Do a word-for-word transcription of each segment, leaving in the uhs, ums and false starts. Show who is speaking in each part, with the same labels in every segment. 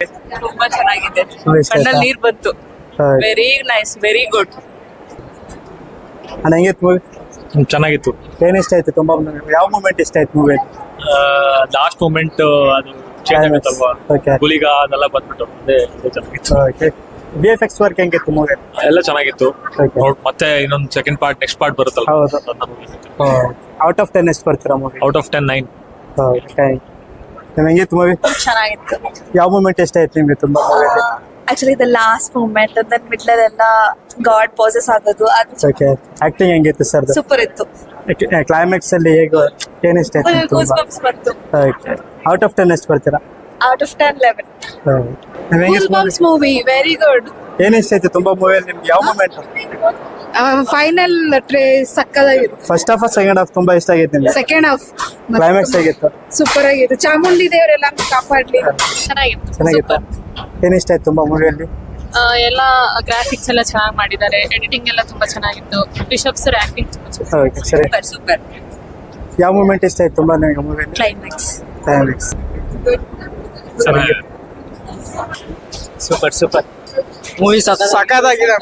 Speaker 1: ತುಂಬಾ ಚೆನ್ನಾಗಿದೆ,
Speaker 2: ತುಂಬಾ ಇಷ್ಟ ಆಯ್ತಾ?
Speaker 1: ಕಣ್ಣಲ್ಲಿ ನೀರ್ ಬಂತು.
Speaker 2: ಹೌದು.
Speaker 1: Very nice, very good.
Speaker 2: ಅಣ್ಣ ಹೆಂಗಿತ್ತು ಮೂವಿ?
Speaker 3: ಚೆನ್ನಾಗಿತ್ತು.
Speaker 2: ಏನ್ ಇಷ್ಟ ಆಯ್ತು ತುಂಬಾ? ಯಾವ ಮೂಮೆಂಟ್ ಇಷ್ಟ ಆಯ್ತು ಮೂವಿ?
Speaker 3: ಲಾಸ್ಟ್ ಮೂಮೆಂಟ್ ಅದು ಚೇಂಜ್ ಆಗುತ್ತಲ್ವಾ,
Speaker 2: Okay.
Speaker 3: ಗುಲಿಗ ಅದೆಲ್ಲ ಬಂದ್ಬಿಟ್ಟು ಅದೇ ಅದೇ ಚೆನ್ನಾಗಿತ್ತು.
Speaker 2: Okay. V F X work ಹೆಂಗಿತ್ತು ಮೂವಿ?
Speaker 3: ಎಲ್ಲ ಚೆನ್ನಾಗಿತ್ತು.
Speaker 2: Okay.
Speaker 3: ನೋಡ್ ಮತ್ತೆ ಇನ್ನೊಂದು ಸೆಕೆಂಡ್ ಪಾರ್ಟ್ ನೆಕ್ಸ್ಟ್ ಪಾರ್ಟ್ ಬರುತ್ತಲ್ಲ,
Speaker 2: ಹೌದು. ಔಟ್ ಆಫ್ ಟೆನ್ ಎಷ್ಟು ಬರ್ತೀರಾ movie?
Speaker 3: Out of ten nine.
Speaker 2: ನಿಮ್ಗೆ ಹೆಂಗಿತ್ತು ಮೂವಿ?
Speaker 1: ಚೆನ್ನಾಗಿತ್ತು.
Speaker 2: ಯಾವ ಮೂಮೆಂಟ್ ಇಷ್ಟ ಆಯ್ತು ನಿಮ್ಗೆ ತುಂಬಾ ಮೂವಿಯಲ್ಲಿ?
Speaker 1: ಆಕ್ಚುಲಿ ದ ಲಾಸ್ಟ್ ಮೂಮೆಂಟ್ ಅಂದ್ರೆ ಮಿಡ್ಲ್ ಎಲ್ಲ ಗಾಡ್ ಪೋಸಸ್ ಆಗೋದು ಅದು
Speaker 2: ಓಕೆ. ಆಕ್ಟಿಂಗ್ ಹೆಂಗಿತ್ತು ಸರ್?
Speaker 1: ಸೂಪರ್ ಇತ್ತು.
Speaker 2: ಕ್ಲೈಮ್ಯಾಕ್ಸ್ ಅಲ್ಲಿ ಹೇಗೆ ಏನ್ ಇಷ್ಟ ಆಯ್ತು ನಿಮ್ಗೆ ತುಂಬಾ?
Speaker 1: ಬಂತು.
Speaker 2: ಓಕೆ. ಔಟ್ ಆಫ್ ಟೆನ್ ಎಷ್ಟು ಬರ್ತೀರಾ?
Speaker 1: Out of ten eleven.
Speaker 2: ನಿಮ್ಗೆ ಹೆಂಗಿತ್ತು movie?
Speaker 1: Movie very good.
Speaker 2: ಏನ್ ಇಷ್ಟ ಆಯ್ತು ತುಂಬಾ ಮೂವಿಯಲ್ಲಿ ನಿಮ್ಗೆ? ಯಾವ ಮೂಮೆಂಟ್?
Speaker 4: ಫೈನಲ್ ಟ್ರೇ ಸಕ್ಕದಾಗಿತ್ತು.
Speaker 2: ಫಸ್ಟ್ ಹಾಫ್ ಸೆಕೆಂಡ್ ಹಾಫ್ ತುಂಬಾ ಇಷ್ಟ ಆಗೈತೆ ನಿಮ್ಗೆ?
Speaker 4: ಸೆಕೆಂಡ್ ಹಾಫ್
Speaker 2: ಕ್ಲೈಮ್ಯಾಕ್ಸ್ ಹೇಗಿತ್ತು?
Speaker 4: ಸೂಪರ್ ಆಗಿತ್ತು. ಚಾಮುಂಡಿ ದೇವರೆಲ್ಲ ಕಾಪಾಡ್ಲಿ.
Speaker 1: ಚೆನ್ನಾಗಿತ್ತು.
Speaker 2: ಚೆನ್ನಾಗಿತ್ತು. ಏನ್ ಇಷ್ಟ ಆಯ್ತು ತುಂಬಾ ಮೂವಿಯಲ್ಲಿ?
Speaker 5: ಎಲ್ಲ ಗ್ರಾಫಿಕ್ಸ್ ಎಲ್ಲ ಚೆನ್ನಾಗಿ ಮಾಡಿದ್ದಾರೆ, ಎಡಿಟಿಂಗ್ ಎಲ್ಲ ತುಂಬಾ ಚೆನ್ನಾಗಿತ್ತು. ರಿಷಬ್ ಸರ್ ಆಕ್ಟಿಂಗ್ ತುಂಬಾ ಚೆನ್ನಾಗಿ.
Speaker 2: ಓಕೆ ಸರಿ.
Speaker 1: Super super.
Speaker 2: ಯಾವ ಮೂಮೆಂಟ್ ಇಷ್ಟ ಆಯ್ತು ತುಂಬಾ ನಿಮಗೆ ಮೂವಿಯಲ್ಲಿ?
Speaker 1: ಕ್ಲೈಮ್ಯಾಕ್ಸ್.
Speaker 2: ಕ್ಲೈಮ್ಯಾಕ್ಸ್.
Speaker 3: ಚೆನ್ನಾಗಿದೆ.
Speaker 6: ಸೂಪರ್ ಸೂಪರ್ ಮೂವಿ ಸಖತ್ತಾಗಿದೆ.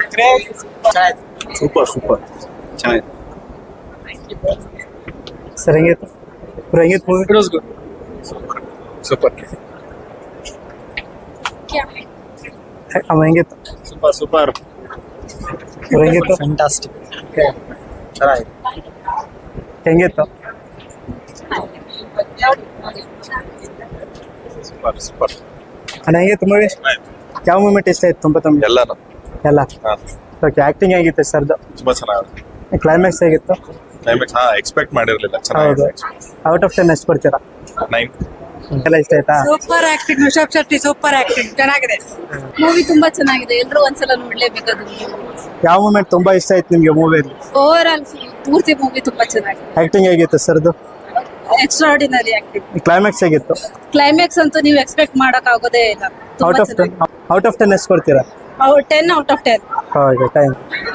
Speaker 3: ಸೂಪರ್ ಸೂಪರ್ ಚೆನ್ನಾಗಿದೆ.
Speaker 2: ಸರ್ ಹೆಂಗಿತ್ತು? ಬ್ರೋ ಹೆಂಗಿತ್ತು movie?
Speaker 3: It was good. Super
Speaker 2: ಅವ ಹೆಂಗಿತ್ತು?
Speaker 3: ಸೂಪರ್ ಸೂಪರ್
Speaker 2: ಬ್ರೋ ಹೆಂಗಿತ್ತು?
Speaker 6: ಫ್ಯಾಂಟಾಸ್ಟಿಕ್.
Speaker 3: ಚೆನ್ನಾಗಿದೆ.
Speaker 2: ಹೆಂಗಿತ್ತು?
Speaker 3: ಸೂಪರ್ ಸೂಪರ್
Speaker 2: ಅಣ್ಣ ಹೆಂಗಿತ್ತು ಮೂವಿ? ಯಾವ ಮೂಮೆಂಟ್ ಇಷ್ಟ ಆಯ್ತು ತುಂಬಾ ತಮ್ಗೆ?
Speaker 3: ಎಲ್ಲಾನು
Speaker 2: ಎಲ್ಲ. ಓಕೆ. ಆಕ್ಟಿಂಗ್ ಹೇಗಿತ್ತು ಸರ್ದು?
Speaker 3: ತುಂಬಾ ಚೆನ್ನಾಗಿದೆ.
Speaker 2: ಕ್ಲೈಮ್ಯಾಕ್ಸ್ ಹೇಗಿತ್ತು?
Speaker 3: ಕ್ಲೈಮ್ಯಾಕ್ಸ್ ಹಾ ಎಕ್ಸ್ಪೆಕ್ಟ್ ಮಾಡಿರ್ಲಿಲ್ಲ.
Speaker 2: ಹೌದು.
Speaker 3: ಚೆನ್ನಾಗಿದೆ.
Speaker 2: ಔಟ್ ಆಫ್ ಟೆನ್ ಎಷ್ಟು ಬರ್ತೀರಾ?
Speaker 3: ನೈನ್.
Speaker 2: ಎಲ್ಲ ಇಷ್ಟ ಆಯ್ತಾ?
Speaker 4: Super acting. Rishab Shetty super acting ಚೆನ್ನಾಗಿದೆ. ಮೂವಿ ತುಂಬಾ ಚೆನ್ನಾಗಿದೆ, ಎಲ್ಲರೂ ಒಂದ್ಸಲ ನೋಡ್ಲೇಬೇಕಾದ್ರು.
Speaker 2: ಯಾವ ಮೂಮೆಂಟ್ ತುಂಬಾ ಇಷ್ಟ ಆಯ್ತು ನಿಮ್ಗೆ ಮೂವಿಯಲ್ಲಿ?
Speaker 4: ಓವರ್ ಆಲ್ ಪೂರ್ತಿ ಮೂವಿ ತುಂಬಾ ಚೆನ್ನಾಗಿದೆ.
Speaker 2: ಆಕ್ಟಿಂಗ್ ಹೇಗಿತ್ತು ಸರ್ದು?
Speaker 4: Extraordinary acting.
Speaker 2: ಕ್ಲೈಮ್ಯಾಕ್ಸ್ ಹೇಗಿತ್ತು?
Speaker 4: ಕ್ಲೈಮ್ಯಾಕ್ಸ್ ಅಂತೂ ನೀವು ಎಕ್ಸ್ಪೆಕ್ಟ್ ಮಾಡಕ್ ಆಗೋದೇ ಇಲ್ಲ.
Speaker 2: Out of ten out of ten ಎಷ್ಟು ಕೊಡ್ತೀರಾ?
Speaker 4: Ten out of ten.
Speaker 2: Okay. Time.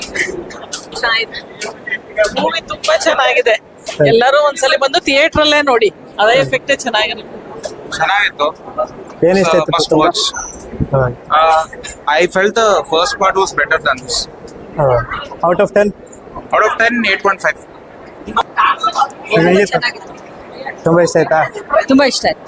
Speaker 1: Movie ತುಂಬಾ ಚೆನ್ನಾಗಿದೆ. ಎಲ್ಲರೂ ಒಂದ್ಸಲಿ ಬಂದು ಥಿಯೇಟರ್ ಅಲ್ಲೇ ನೋಡಿ, ಅದೇ ಎಫೆಕ್ಟ್ ಚೆನ್ನಾಗಿರುತ್ತೆ.
Speaker 7: ಚೆನ್ನಾಗಿತ್ತು.
Speaker 2: ಏನ್ ಇಷ್ಟ ಆಯ್ತು
Speaker 7: Must
Speaker 2: ತುಂಬಾ?
Speaker 7: watch. Uh, I felt the first part was better than this.
Speaker 2: Out of ten?
Speaker 7: Out of ten, eight point five.
Speaker 2: ತುಂಬಾ ಇಷ್ಟ ಆಯ್ತಾ?
Speaker 4: ತುಂಬಾ ಇಷ್ಟ ಆಯ್ತು.